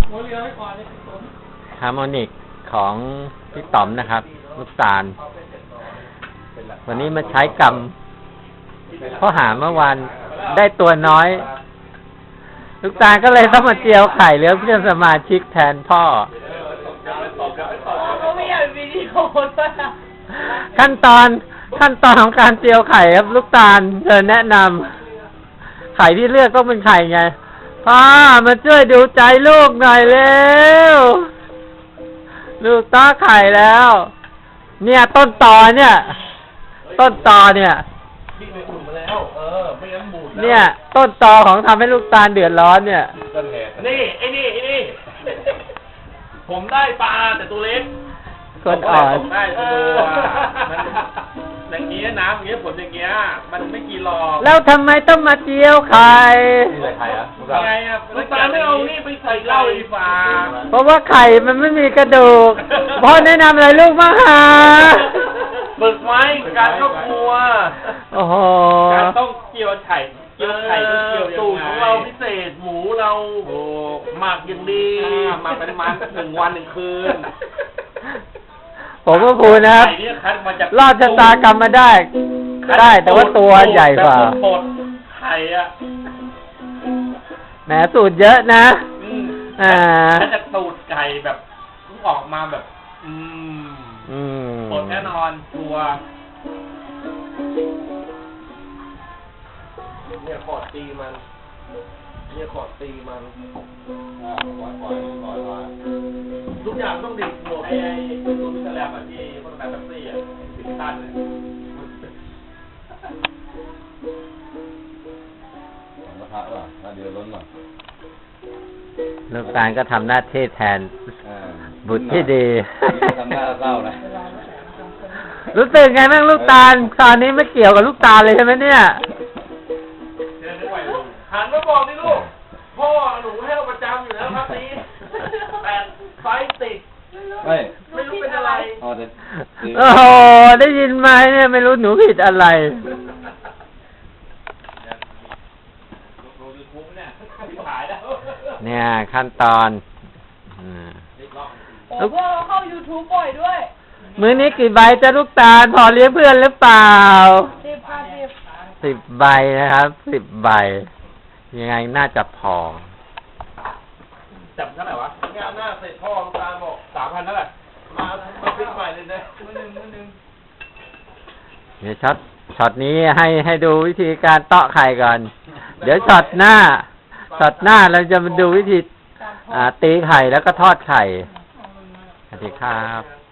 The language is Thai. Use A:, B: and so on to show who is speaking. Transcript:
A: ฮาร์โมนิกของพี่ต๋อมนะครับลูกตาลวันนี้มาใช้กรรมเพราะหาเมื่อวานได้ตัวน้อยลูกตาลก็เลยต้องมาเจียวไข่เหลือเพื่อนสมาชิกแทนพ่อ
B: เขาไม่อยากวิดีโอด้วย
A: ขั้นตอนของการเจียวไข่ครับลูกตาลเธอแนะนำไข่ที่เลือกต้องเป็นไข่ไงพ่อมาช่วยดูใจลูกหน่อยเร็วลูกต้อไข่แล้วเนี่ยต้นตอเนี่ยเนี่ยต้นตอของทำให้ลูกตาลเดือดร้อนเนี่ย
C: นี่ไอ้นี่ผมได้ปลาแต่ตัวเล็ก
A: คนอ่อน
C: ได้ตัวมันอย่างเงี้ยน้ำอย่างเงี้ยผลอย่างเงี้ยมันไม่กี่หลอก
A: แล้วทำไมต้องมาเจียวไข่
C: ใส่ไข่อะไงอะลูกตาลไม่เอานี่ไปใส่เหล้าดีฟ้า
A: เพราะว่าไข่มันไม่มีกระดูกพ่อแนะนำอะไรลูกมาหา
C: ฝึกไว้การเข้าครัว
A: โอ้โห
C: การต้องเกี่ยวไข่เกี่ยวสูตรของเราพิเศษหมูเราหมักอย่างดีหมักเป็นมัน1 วัน 1 คืน
A: ผมก็พูดนะครับรอดชะตากรรมมาได้แต่ว่าตัวใหญ่กว่า
C: ไข่อะ
A: แหมสูตรเยอะนะ
C: ถ้าจะสูตรไก่แบบออกมาแบบแน่นอนตัวเนี่ยขอดตีมันทุกอย่างต้องดิบหมดไอ้ตัวมิสแลมที่คนแบบแท็กซี่10 ตันเลย
D: กระทะป่ะถ้าเดือดร้อนหน่อย
A: ลูกตาลก็ทำหน้าที่แทนบุตรที่ดี
D: ทำหน้าเศร้านะ
A: รู้สึกไงบ้างลูกตาลตอนนี้ไม่เกี่ยวกับลูกตาลเลยใช่ไหมเนี่ย
C: หันมาบอกดิลูกพ่อหนูให้เราประจำอยู่แล้วครับนี้8 ไฟติดไม่รู้เป็นอะไร
A: โอ้โหได้ยินไหมเนี่ยไม่รู้หนูผิดอะไรเนี่ยขั้นตอน
B: โอ้โหเข้า YouTube บ่อยด้วย
A: มื้อนี้กี่ใบจะลูกตาลพอเลี้ยงเพื่อนหรือเปล่า10 ใบนะครับ10 ใบยังไงน่าจะพอ
C: จับเท่าไหร่วะงานหน้าเสร็จพ่อลูกตาลบอก 3,000 เท่าไหร่มาพลิกใหม่เลยนะมื้อนึง
A: เนี่ยช็อตนี้ให้ดูวิธีการเตาะไข่ก่อนเดี๋ยวช็อตหน้าเราจะมาดูวิธีตีไข่แล้วก็ทอดไข่สวัสดีครับ